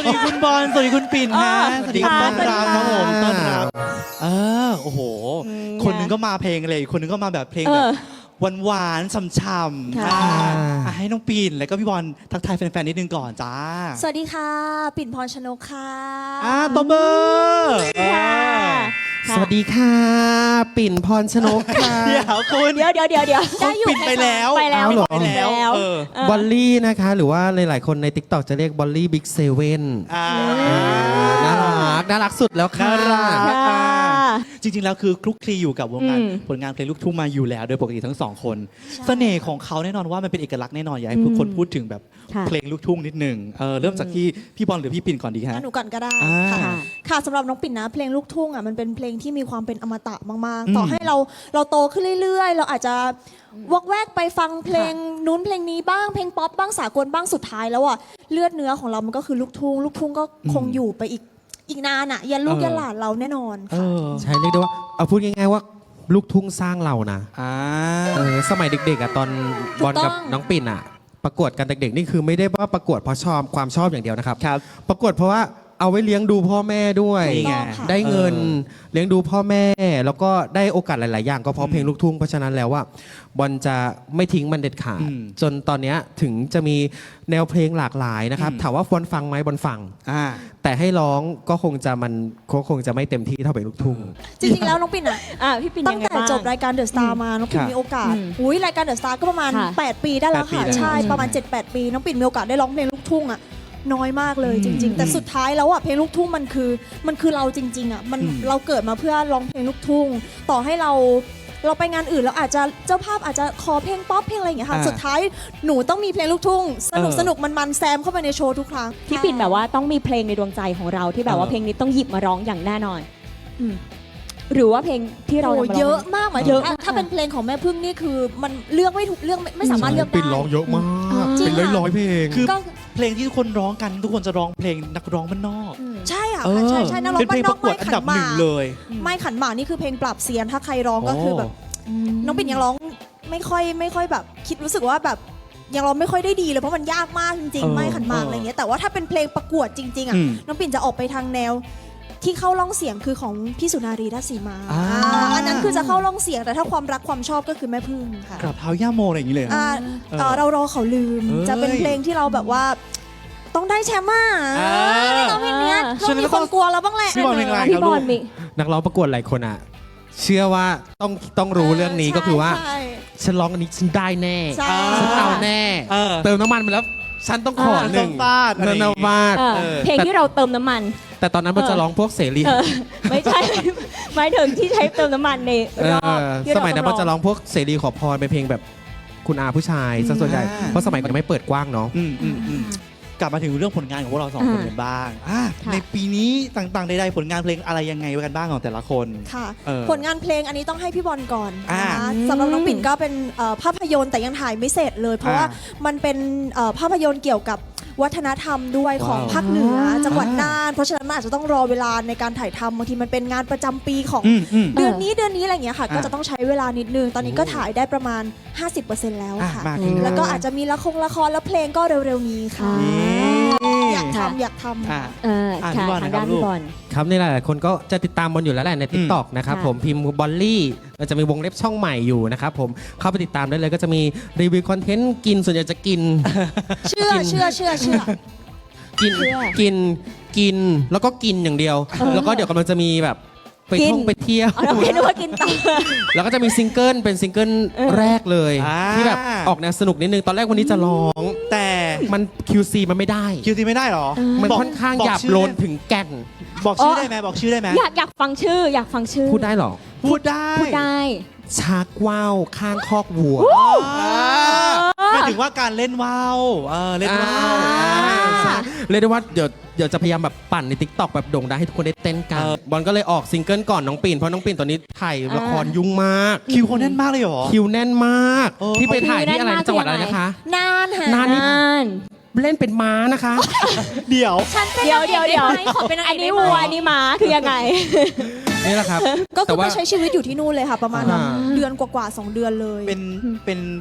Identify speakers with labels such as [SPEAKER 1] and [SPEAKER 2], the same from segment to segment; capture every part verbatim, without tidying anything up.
[SPEAKER 1] ดีคุณบอลสวัสดีคุณปิ่นฮะสวัสดีต้อนรับครับผมต้อนรับเออโอ้โหคนนึงก็มาเพลงเลยคนนึงก็มาแบบเพลงแบบหวานๆช่ำๆให้น้องปิ่นแล้วก็พี่บอลทักทายแฟนๆนิดนึงก่อนจ้า
[SPEAKER 2] สวัสดีค่ะปิ่นพรชนกค่ะ
[SPEAKER 1] อ่าตบมือ
[SPEAKER 3] สวัสดีค่ะปิ่นพรชนกค่ะ
[SPEAKER 1] เดี๋ยวคุณ
[SPEAKER 4] เดี๋ยวเดี๋ยวเดี๋ยวเดี๋ยว
[SPEAKER 1] ได้อยู่ปิ่นไปแล้ว
[SPEAKER 4] ไปแล้ว
[SPEAKER 1] ไปแล้ว
[SPEAKER 3] บอลลี่นะคะหรือว่าหลายๆคนใน ติ๊กต็อก จะเรียกบอลลี่บิ๊กเซเว่นน่ารักน่ารักสุดแล้วค่ะ
[SPEAKER 1] จริงๆแล้วคือคลุกคลีอยู่กับวงการผลงานเพลงลูกทุ่งมาอยู่แล้วโดยปกติทั้งสองคนเสน่ห์ของเขาแน่นอนว่ามันเป็นเอกลักษณ์แน่นอนอยากให้ทุกคนพูดถึงแบบเพลงลูกทุ่งนิดหนึ่งเออเริ่มจากที่พี่บอลหรือพี่ปิ่นก่อนดีฮะ
[SPEAKER 2] หนูก่อนก็ได้ค่ะค่ะสำหรับน้องปิ่นนะเพลงลูกทุ่งอ่ะมันเป็นเพลงที่มีความเป็นอมตะมากๆต่อให้เราเราโตขึ้นเรื่อยๆเราอาจจะวอกแวกไปฟังเพลงนู้นเพลงนี้บ้างเพลงป๊อปบ้างสากลบ้างสุดท้ายแล้วอ่ะเลือดเนื้อของเรามันก็คือลูกทุ่งลูกทุ่งก็คงอยู่ไปอีกอีกนานอ่ะยันลูกยันหลานเราแน่นอนค่ะ
[SPEAKER 3] ใช่เรียกได้ว่าเอาพูดง่ายๆว่าลูกทุ่งสร้างเรานะเออสมัยเด็กๆอ่ะตอนบอลกับน้องปิ่นอ่ะประกวดกันเด็กๆนี่คือไม่ได้ว่าประกวดเพราะชอบความชอบอย่างเดียวนะครับประกวดเพราะว่าเอาไว้เลี้ยงดูพ่อแม่ด้วยได้เงินเลี้ยงดูพ่อแม่แล้วก็ได้โอกาสหลายๆอย่างก็เพราะเพลงลูกทุ่งเพราะฉะนั้นแล้วว่าบอลจะไม่ทิ้งมันเด็ดขาดจนตอนนี้ถึงจะมีแนวเพลงหลากหลายนะครับถามว่าบอลฟังไหมบอลฟังแต่ให้ร้องก็คงจะมันคงจะไม่เต็มที่เท่าเพลงลูกทุ่ง
[SPEAKER 2] จริงๆแล้วน้องปิ่นอ่ะตั้งแต่จบรายการเดอะสตาร์มาน้องปิ่นมีโอกาสอุ้ยรายการเดอะสตาร์ก็ประมาณแปดปีได้แล้วค่ะใช่ประมาณ เจ็ดแปด ปีน้องปิ่นมีโอกาสได้ร้องเพลงลูกทุ่งอ่ะน้อยมากเลยจริงๆแต่สุดท้ายแล้วอ่ะเพลงลูกทุ่งมันคือมันคือเราจริงๆอ่ะมันเราเกิดมาเพื่อร้องเพลงลูกทุ่งต่อให้เราเราไปงานอื่นแล้วอาจจะเจ้าภาพอาจจะขอเพลงป๊อปเพลงอะไรอย่างเงี้ยค่ะสุดท้ายหนูต้องมีเพลงลูกทุ่งสนุกสนุกมันมันแซมเข้าไปในโชว์ทุกครั้ง
[SPEAKER 4] พี่ปิ่นแบบว่าต้องมีเพลงในดวงใจของเราที่แบบว่าเพลงนี้ต้องหยิบมาร้องอย่างแน่นอนหรือว่าเพลงที่เรา
[SPEAKER 2] เยอะมากหมายถึงถ้าเป็นเพลงของแม่พึ่งนี่คือมันเลือกไม่ถูกเลือกไม่สามารถเลือกได้
[SPEAKER 3] ปิ่นร้องเยอะมากเป็นร้อยๆเพลง
[SPEAKER 1] คือเพลงที่ทุกคนร้องกันทุกคนจะร้องเพลงนักร้องบ้านนอก
[SPEAKER 2] ใช่ค่ะใช่ใช่นักร้องบ้านนอกไม่ขันหมาก
[SPEAKER 1] เลย
[SPEAKER 2] ไม่ขันหมากนี่คือเพลงปราบเซียนถ้าใครร้องก็คือแบบน้องปิ่นยังร้องไม่ค่อยไม่ค่อยแบบคิดรู้สึกว่าแบบยังร้องไม่ค่อยได้ดีเลยเพราะมันยากมากจริงๆไม่ขันหมากอะไรเงี้ยแต่ว่าถ้าเป็นเพลงประกวดจริงๆอ่ะน้องปิ่นจะออกไปทางแนวที่เข้าร่องเสียงคือของพี่สุนารีราชสีมาอันนั้นคือจะเข้าร่องเสียงแต่ถ้าความรักความชอบก็คือแม่พึ่งค่ะ
[SPEAKER 1] กราบเท้าย่าโมอะไรอย่างนี้เลย
[SPEAKER 2] เรารอเขาลืมจะเป็นเพลงที่เราแบบว่าต้องได้แชมป์อ่ะเราเพลงนี้ต้องมีคนกลัวเราบ้างแหละ
[SPEAKER 1] พี่บอลเป็นไงครับลูก
[SPEAKER 3] นักร้องประกวดหลายคนอ่ะเชื่อว่าต้องต้องรู้เรื่องนี้ก็คือว่าฉันร้องอันนี้ฉันได้แน่ฉันเอาแน่เติมน้ำมันไปแล้วฉันต้องขอหนึ่ง
[SPEAKER 1] ฟาด
[SPEAKER 3] เนินฟาด
[SPEAKER 4] เพลงที่เราเติมน้ำมัน
[SPEAKER 3] แต่ตอนนั้นมันจะร้องพวกเสรี
[SPEAKER 4] ไม่ใช่หมายถึงที่ใช้เติมน้ำมันในรอบ
[SPEAKER 3] สมัยนั้นมันจะร้องพวกเสรีขอพรเป็นเพลงแบบคุณอาผู้ชายซะส่วนใหญ่เพราะสมัยมันยังไม่เปิดกว้างเนาะ
[SPEAKER 1] กลับมาถึงเรื่องผลงานของพวกเราสองคนกันบ้างในปีนี้ต่างๆใดๆผลงานเพลงอะไรยังไงกันบ้างของแต่ละคน
[SPEAKER 2] ค่ะผลงานเพลงอันนี้ต้องให้พี่บอลก่อนนะคะสำหรับน้องปิ่นก็เป็นภาพยนตร์แต่ยังถ่ายไม่เสร็จเลยเพราะว่ามันเป็นภาพยนตร์เกี่ยวกับวัฒนธรรมด้วยของภาคเหนือจังหวัดน่านเพราะฉะนั้นมันอาจจะต้องรอเวลาในการถ่ายทำบางทีมันเป็นงานประจำปีของเดือนนี้เดือนนี้อะไรอย่างเงี้ยค่ะก็จะต้องใช้เวลานิดนึงตอนนี้ก็ถ่ายได้ประมาณ ห้าสิบเปอร์เซ็นต์ แล้วค่ะแล้วก็อาจจะมีละครละครแล้วเพลงก็เร็วๆนี้ค่ะอยากทำอยากทำ
[SPEAKER 4] ค่ะทางด้านพี่บอล
[SPEAKER 3] ครับนี่หลายๆคนก็จะติดตามบอลอยู่แล้วแหละใน ติ๊กต็อก นะครับผมพิมพ์บอลลี่เราจะมีวงเล็บช่องใหม่อยู่นะครับผมเข้าไปติดตามได้เลยก็จะมีรีวิวคอนเทนต์กินส่วนใหญ่จะกิน
[SPEAKER 2] เชื่อเชื่อเชื่อเชื่อ
[SPEAKER 3] กินกินกินแล้วก็กินอย่างเดียวแล้วก็เดี๋ยวกำลังจะมีแบบไปท่องไปเที่ยว
[SPEAKER 4] เราคิดว่ากินต่อ
[SPEAKER 3] แล้วก็จะมีซิงเกิลเป็นซิงเกิลแรกเลยที่แบบออกแนวสนุกนิดนึงตอนแรกวันนี้จะร้องแต่มัน คิว ซี มันไม่ได้
[SPEAKER 1] คิว ซี ไม่ได้หรอ
[SPEAKER 3] มันค่อนข้างหยาบโลนถึงแก่น
[SPEAKER 1] บอกชื่อได้ไหมบอกชื่อได้ไหม
[SPEAKER 4] อยากอยากฟังชื่ออยากฟังชื่อ
[SPEAKER 3] พูดได้หรอ
[SPEAKER 1] พูดได้
[SPEAKER 4] พูดได้
[SPEAKER 3] ชักว่าวข้างคอกวัว
[SPEAKER 1] หมายถึงว่าการเล่นว่าวเล่นว่าว
[SPEAKER 3] เรียกได้ว่าเดี๋ยวเดี๋ยวจะพยายามแบบปั่นใน ติ๊กต็อก แบบโด่งดังให้ทุกคนได้เต้นกันบอลก็เลยออกซิงเกิลก่อนน้องปิ่นเพราะน้องปิ่นตอนนี้ถ่ายละครยุ่งมาก
[SPEAKER 1] คิวเขาแน่นมากเลยเหรอ
[SPEAKER 3] คิวแน่นมากที่ไปถ่ายที่อะไรจังหวัดอะไรนะคะ
[SPEAKER 2] นานค่ะ
[SPEAKER 3] นานเล่นเป็นม้านะคะ
[SPEAKER 1] เดี๋ยว
[SPEAKER 4] เดี๋ยวเดี๋ยวเดี๋ยว
[SPEAKER 2] ขอเป็น
[SPEAKER 4] อันนี้วัวอันนี้ม้าคือยังไง
[SPEAKER 3] นี่แหละครับ
[SPEAKER 2] ก็คือไปใช้ชีวิตอยู่ที่นู่นเลยค่ะประมาณเดือนกว่าๆสองเดือนเลย
[SPEAKER 1] เป็นเป็นพ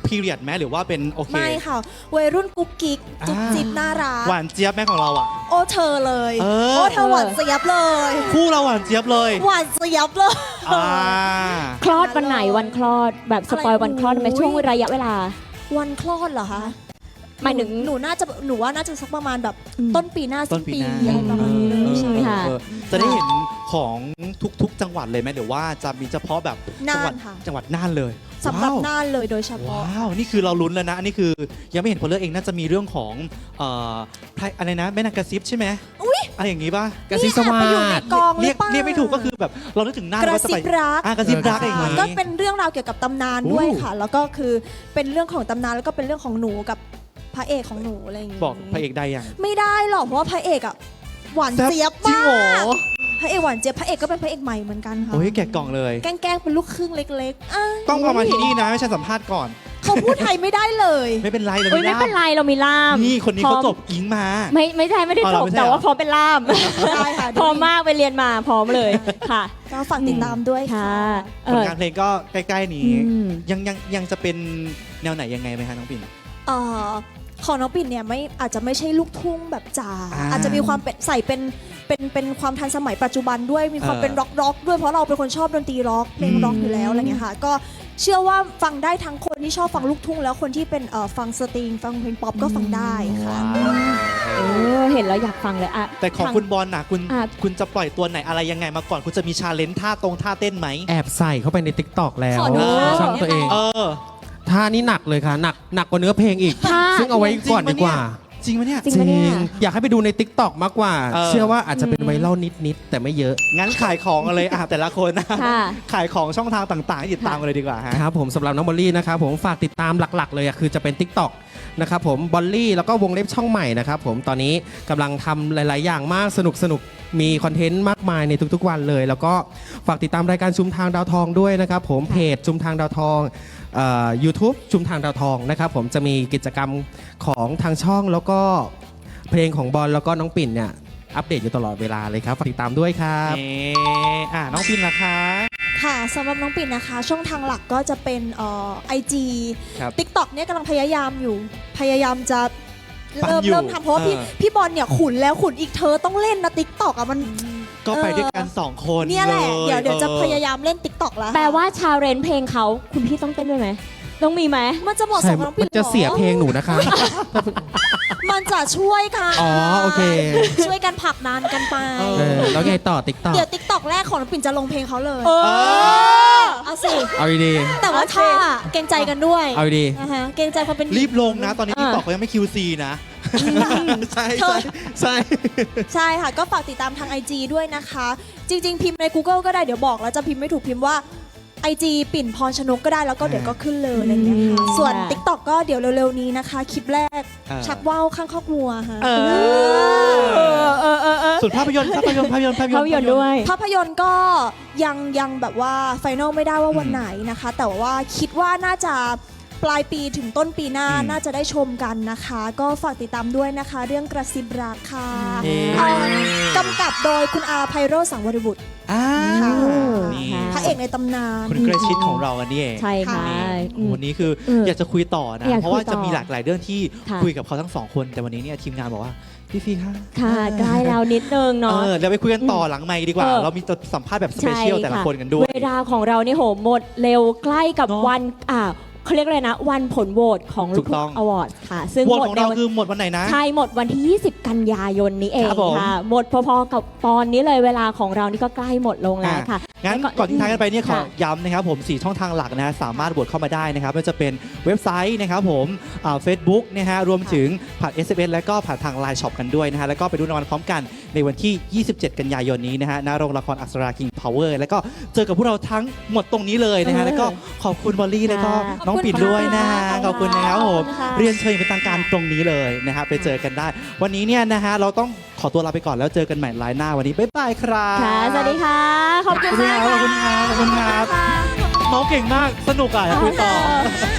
[SPEAKER 1] พีเรียดไหมหรือว่าเป็นโอเค
[SPEAKER 2] ไม่ค่ะวัยรุ่นกุ๊กกิ๊กจุ๊บ
[SPEAKER 1] อ่า
[SPEAKER 2] จิ๊บน่ารัก
[SPEAKER 1] หวานเจี๊ยบแม่ของเราอ่ะ
[SPEAKER 2] โอ้เธอเลย
[SPEAKER 1] เออ
[SPEAKER 2] โอ้เธอหวานเจี๊ยบเลย
[SPEAKER 1] คู่เราหวานเจี๊ยบเลย
[SPEAKER 2] หวานเจี๊ยบเลย
[SPEAKER 1] อ่า
[SPEAKER 4] คลอดวันไหนวันคลอดแบบสปอยวันคลอดไหม
[SPEAKER 2] อุ๊ย
[SPEAKER 4] ช่วงระยะเวลา
[SPEAKER 2] วันคลอดเหรอคะ
[SPEAKER 4] หมายถึง
[SPEAKER 2] หนูน่าจะหนูว่าน่าจะสักประมาณแบบ
[SPEAKER 4] อืม
[SPEAKER 2] ต้นปีหน้า
[SPEAKER 1] ต้
[SPEAKER 2] สิ้
[SPEAKER 1] น
[SPEAKER 2] น
[SPEAKER 1] ปี
[SPEAKER 2] ปี
[SPEAKER 1] หน้า
[SPEAKER 2] อะไรประมาณนี้เลย
[SPEAKER 4] อืม
[SPEAKER 2] ใช่
[SPEAKER 4] ค่ะ
[SPEAKER 1] เออจะได้เห็นของทุกๆ จังหวัดเลยไหมหรือว่าจะมีเฉพาะแบบจังหวัด
[SPEAKER 2] น่านค่ะ
[SPEAKER 1] จังหวัดน่านเลย
[SPEAKER 2] สำหรับ
[SPEAKER 1] ว้าว
[SPEAKER 2] น่านเลยโดยเฉพาะ
[SPEAKER 1] ว้าว นี่คือเราลุ้นแล้วนะ อันนี้คือยังไม่เห็นผลเลือกเองน่าจะมีเรื่องของเอ่อไพรอะไรนะแม่นางกระซิบใช่ไหมอุ้ยอะไรอย่างงี้ป่ะ
[SPEAKER 3] กระซิบสวา
[SPEAKER 2] ไปอยู่ใน
[SPEAKER 3] ด
[SPEAKER 2] กองห
[SPEAKER 1] เรี
[SPEAKER 2] รื
[SPEAKER 1] ย
[SPEAKER 2] อก เปล่า
[SPEAKER 1] เรียกไม่ถูกก็คือแบบเรานึกถึงหน้าก
[SPEAKER 2] ระ
[SPEAKER 1] ว่าจะ
[SPEAKER 2] ซิ
[SPEAKER 1] ไป
[SPEAKER 2] บรัก
[SPEAKER 1] อ่ะกระซิบรักอย่าง
[SPEAKER 2] ค่ะ
[SPEAKER 1] งี้
[SPEAKER 2] ก็เป็นเรื่องราวเกี่ยวกับตำนาน
[SPEAKER 1] อู้
[SPEAKER 2] ด้วยค่ะ แล้วก็คือเป็นเรื่องของตำนานแล้วก็เป็นเรื่องของหนูกับพระเอกของหนูอะไรอย่างงี้
[SPEAKER 1] บอกพระเอกได้ยัง
[SPEAKER 2] ไม่ได้หรอกเพราะว่าพระเอกอะหวาน
[SPEAKER 1] แซ่บ
[SPEAKER 2] เจี๊ยบ
[SPEAKER 1] จริง
[SPEAKER 2] มา
[SPEAKER 1] เหรอ
[SPEAKER 2] กพระเอกหวานเจี๊ยบพระเอกก็เป็นพระเอกใหม่เหมือนกันค่ะ
[SPEAKER 1] โอ้ยแกะกล่องเลย
[SPEAKER 2] แกล้งๆเป็นลูกครึ่งเล็กๆอ่ะ
[SPEAKER 1] ต้องประมาณที่นี่นะ ไม่ใช่สัมภาษณ์ก่อน
[SPEAKER 2] เขาพูดไทยไม่ได้เลย
[SPEAKER 1] ไม่เป็นไรเลย
[SPEAKER 4] เอ้ยไม่เป็นไรเรามีล่าม
[SPEAKER 1] นี่คนนี้
[SPEAKER 4] พร้
[SPEAKER 1] เขา
[SPEAKER 4] อม
[SPEAKER 1] จบอิงมา
[SPEAKER 4] ไม่ไม่ใช่ไม่ได้
[SPEAKER 1] อ๋อ
[SPEAKER 4] จ
[SPEAKER 1] เหรอบ ไม่ใช่
[SPEAKER 4] แต่
[SPEAKER 1] เหรอ
[SPEAKER 4] ว่าพร้อมเป็นล่าม
[SPEAKER 2] ได้ค่ะ
[SPEAKER 4] พร้อมมากไปเรียนมาพร้อมเลยค่ะ
[SPEAKER 2] ก็ฝากติดตามด้วยค่ะ
[SPEAKER 4] ค่ะเอ
[SPEAKER 1] ผล
[SPEAKER 4] อง
[SPEAKER 1] านเพลงก็ใกล้ๆนี้
[SPEAKER 4] อืม
[SPEAKER 1] ยังยังยังจะเป็นแนวไหนยังไงไหมคะน้องปิ่น
[SPEAKER 2] เอ่อของน้องปิ่นเนี่ยไม่อาจจะไม่ใช่ลูกทุ่งแบบจ๋า
[SPEAKER 1] อ่า
[SPEAKER 2] อาจจะมีความเป็นใส่เป็นเป็นเป็นความทันสมัยปัจจุบันด้วยมีความ
[SPEAKER 1] เออ
[SPEAKER 2] เป็นร็อกร็อกด้วยเพราะเราเป็นคนชอบดนตรีร็อกเพลง
[SPEAKER 1] อืม
[SPEAKER 2] ร็อกอยู่แล้วอะไรเงี้ยค่ะก็เชื่อว่าฟังได้ทั้งคนที่ชอบฟังลูกทุ่งแล้วคนที่เป็นเอ่อฟังสตริงฟังเพลงป๊อปก็ฟังได้ค่ะ
[SPEAKER 4] เออเห็นแล้วอยากฟังเลยอะ
[SPEAKER 1] แต่ของ
[SPEAKER 4] ทาง
[SPEAKER 1] คุณบอลน่ะคุณ
[SPEAKER 4] อ่ะ
[SPEAKER 1] คุณจะปล่อยตัวไหนอะไรยังไงมาก่อน คุณจะมีชาเลนจ์ท่าตรงท่าเต้นไหม
[SPEAKER 3] แอบใส่เข้าไปในติ๊กตอกแล้ว
[SPEAKER 2] ขอดู
[SPEAKER 3] ช่องตัวเอง
[SPEAKER 1] เออ
[SPEAKER 3] ท่านี้หนักเลยค่ะ หนักหนักกว่าเนื้อเพลงอีก
[SPEAKER 4] ท่า
[SPEAKER 3] ซึ่งเอาไว้ก่อนดีกว่า
[SPEAKER 1] จริงปะเนี่ย
[SPEAKER 4] จริงปะเนี่ย
[SPEAKER 3] อยากให้ไปดูในติ๊กตอกมากกว่า
[SPEAKER 1] เออ
[SPEAKER 3] เชื่อว่าอาจจะเป็นไวรัลนิด ๆ แต่ไม่เยอะ
[SPEAKER 1] งั้นขายของกันเลยอ่ะแต่ละคนนะ
[SPEAKER 4] ค่ะ
[SPEAKER 1] ขายของช่องทางต่างๆให้ติดตามกันเลยดีกว่าฮะ
[SPEAKER 3] ครับผมสำหรับน้องบอลลี่นะครับผมฝากติดตามหลักๆเลยอะคือจะเป็น TikTok นะครับผมบอลลี่แล้วก็วงเล็บช่องใหม่นะครับผมตอนนี้กำลังทำหลาย ๆ อย่างมากสนุกสนุกมีคอนเทนต์มากมายในทุก ๆ วันเลย แล้วก็ฝากติดตามรายการชุมทางดาวทองด้วยนะครับผมเพจชุมทางดาวทองเอ่อ YouTube ชุมทางดาวทองนะครับผมจะมีกิจกรรมของทางช่องแล้วก็เพลงของบอลแล้วก็น้องปิ่นเนี่ยอัปเดตอยู่ตลอดเวลาเลยครับฝากติดตามด้วยครับ
[SPEAKER 1] เอ่ออ่ะน้องปิ่นล่ะคะ
[SPEAKER 2] ค่ะสำหรับน้องปิ่นนะคะ ช่องทางหลักก็จะเป็นเอ่อไอจี
[SPEAKER 1] ครับ
[SPEAKER 2] ทิกตอกเนี่ยกำลังพยายามอยู่ พยายามจะ
[SPEAKER 1] ปั้น
[SPEAKER 2] เริ่ม
[SPEAKER 1] อยู่
[SPEAKER 2] เริ่มทำเพราะว่าพี่
[SPEAKER 1] เออ
[SPEAKER 2] พี่บอลเนี่ยขุนแล้วขุนอีกเธอต้องเล่นนะทิกตอกอ่ะมัน
[SPEAKER 1] ก็ไปด้วยกันสองคน
[SPEAKER 2] เนี่ยแหละ
[SPEAKER 1] ล
[SPEAKER 2] เดี๋ยวเดี๋ยวจะ
[SPEAKER 1] ออ
[SPEAKER 2] พยายามเล่นทิกตอกแล้ว
[SPEAKER 4] แปลว่าชาเรนเพลงเขาคุณพี่ต้องเต้นด้วยไหมต้องมีไหม
[SPEAKER 2] มันจะเหมาะส
[SPEAKER 3] ใช่
[SPEAKER 2] มกับน้อง
[SPEAKER 3] มั
[SPEAKER 2] ปิ่น
[SPEAKER 3] นจะ
[SPEAKER 2] หรอ
[SPEAKER 3] เสียเพลงหนูนะคะ
[SPEAKER 2] มันจะช่วยกัน
[SPEAKER 3] อ๋อโอเค
[SPEAKER 2] ช่วยกันผลักดันกันไป
[SPEAKER 1] เอ
[SPEAKER 3] เออแล้วไงต่อ TikTok
[SPEAKER 2] เดี๋ยวทิกตอกแรกของน้องปิ่นจะลงเพลงเขาเลย
[SPEAKER 4] เออ
[SPEAKER 2] เอาสิ
[SPEAKER 3] เอาดี
[SPEAKER 2] แต่ว่าถ้าเกรงใจกันด้วย
[SPEAKER 3] ๆเอาดี
[SPEAKER 2] นะฮะเกรงใจความเป็น
[SPEAKER 1] รีบลงนะ ตอนนี้
[SPEAKER 4] เออ
[SPEAKER 1] ติ๊กต็อกเขายังไม่ คิว ซี นะ ใช่
[SPEAKER 2] เธ
[SPEAKER 1] ใช่
[SPEAKER 2] อ
[SPEAKER 1] ใช่
[SPEAKER 2] ใช่ค่ะ ก็ฝากติดตามทาง ไอ จี ด้วยนะคะ จริง ๆ พิมพ์ใน Google ก็ได้เดี๋ยวบอกแล้วจะพิมพ์ไม่ถูกพิมพ์ว่า ไอ จี ปิ่นพรชนกก็ได้แล้วก็เดี๋ยวก็ขึ้นเลยอะไรอย่างเงี้ยค่ะ
[SPEAKER 4] อืม
[SPEAKER 2] ส่วน
[SPEAKER 4] ค่ะ
[SPEAKER 2] TikTok ก็เดี๋ยวเร็ว ๆ นี้นะคะ คลิปแรก
[SPEAKER 1] เออ
[SPEAKER 2] ชักว่าวข้างคอกวัวค่ะ
[SPEAKER 1] เออ
[SPEAKER 4] เออเออเออเออ
[SPEAKER 1] ส่วนภาพยนตร์ภาพยนตร์ภาพยนตร์ภาพยนตร์
[SPEAKER 4] เขาหยดด้วย
[SPEAKER 2] ภาพยนตร์ก็ยังยังแบบว่าไฟนอลไม่ได้ว่าวันไหนนะคะ แต่ว่าคิดว่าน่าจะปลายปีถึงต้นปีหน้า
[SPEAKER 1] อืม
[SPEAKER 2] น่าจะได้ชมกันนะคะ ก็ฝากติดตามด้วยนะคะ เรื่องกระซิบรักค่ะ
[SPEAKER 1] เอ๊ะ
[SPEAKER 2] เอ่อกำกับโดยคุณอาไพโรจน์สังวรบุตร
[SPEAKER 1] อ่า
[SPEAKER 2] ค่ะ
[SPEAKER 1] นี่
[SPEAKER 4] ค่ะ
[SPEAKER 2] พระเอกในตำนาน
[SPEAKER 1] คุณเกรชิตของเราอันนี้เอง
[SPEAKER 4] ใช่ค่ะ
[SPEAKER 1] นี่
[SPEAKER 4] อืม
[SPEAKER 1] วันนี้คือ
[SPEAKER 4] เออ
[SPEAKER 1] อ
[SPEAKER 4] อ
[SPEAKER 1] ยากจะคุยต่อนะ
[SPEAKER 4] อยาก
[SPEAKER 1] เพราะว่า
[SPEAKER 4] คุยต่อ
[SPEAKER 1] จะมีหลากหลายเรื่องที่
[SPEAKER 4] ค่ะ
[SPEAKER 1] คุยกับเขาทั้งสองคน แต่วันนี้เนี่ยทีมงานบอกว่า พี่ฟีค่ะ
[SPEAKER 4] ค่ะใกล้แล้วนิดนึง
[SPEAKER 1] เอ
[SPEAKER 4] เนาะ
[SPEAKER 1] อเดี๋ยวไปคุยกันต่อหลังไมค์ดีกว่า
[SPEAKER 4] เออ
[SPEAKER 1] เรามีจะสัมภาษณ์แบบสเปเชียลแต่ละคนกันด้วย
[SPEAKER 4] เวลาของเรานี่โหหมดเร็วใกล้กับ
[SPEAKER 1] เนอะ
[SPEAKER 4] วันอ่าเขาเรียกอะไรนะ วันผลโหวตของ
[SPEAKER 1] ถู
[SPEAKER 4] ลูก
[SPEAKER 1] ก
[SPEAKER 4] ทุ่
[SPEAKER 1] ต้อง
[SPEAKER 4] งอวอร์ดค่ะ ซึ่ง
[SPEAKER 1] โหวต
[SPEAKER 4] หมด
[SPEAKER 1] ของ
[SPEAKER 4] ใน
[SPEAKER 1] เรา
[SPEAKER 4] วัน
[SPEAKER 1] คือหมดวันไหนนะ
[SPEAKER 4] ใช่หมดวันที่ ยี่สิบ กันยายนนี้เอง
[SPEAKER 1] ครับผม
[SPEAKER 4] ค่ะ หมดพอๆกับตอนนี้เลยเวลาของเรานี่ก็ใกล้หมดลงแล้วค่ะ
[SPEAKER 1] งั้น
[SPEAKER 4] แล้ว
[SPEAKER 1] ก่อนที่ท้ายกันไปเนี่ยขอ
[SPEAKER 4] ค่ะ
[SPEAKER 1] ย้ำนะครับผมสี่ช่องทางหลักนะฮะสามารถโหวตเข้ามาได้นะครับไม่ว่าจะเป็นเว็บไซต์นะครับผมเฟซบุ๊กนะฮะรวมถึงผ่าน เอส เอ็ม เอส และก็ผ่านทาง ไลน์ ช็อป กันด้วยนะฮะแล้วก็ไปดูรางวัลพร้อมกันในวันที่ ยี่สิบเจ็ด กันยายนนี้นะฮะณโรงละครอักษรา King Power แล้วก็เจอกับพวกเราทั้งหมดตรงนี้เลยนะฮะ
[SPEAKER 4] เออ
[SPEAKER 1] แล้วก็ขอบคุณบอลลี่แล้วก็
[SPEAKER 4] ค่ะ
[SPEAKER 1] น้องปิ่นด้วยนะฮะข
[SPEAKER 2] ข
[SPEAKER 1] อ
[SPEAKER 2] อ
[SPEAKER 1] บบ
[SPEAKER 2] คุ
[SPEAKER 1] คุณ
[SPEAKER 2] ณ
[SPEAKER 1] นะครับ
[SPEAKER 2] ค่ะ
[SPEAKER 1] ผม
[SPEAKER 2] ขอบคุณค่ะ
[SPEAKER 1] เรียนเชิญอย่างเป็นทางการตรงนี้เลยนะฮะไปเจอกันได้ วันนี้เนี่ยนะฮะเราต้องขอตัวลาไปก่อนแล้วเจอกันใหม่ไลน์หน้าวันนี้บ๊ายบายครับ
[SPEAKER 4] ค่ะ สวัสดีค่ะ ขอบคุณมาก
[SPEAKER 1] ขอบคุณครับขอบคุณครับ
[SPEAKER 2] ค่ะ
[SPEAKER 1] เมาส์เก่งมาก สนุกอ่ะอยากคุยต่อ
[SPEAKER 2] เออ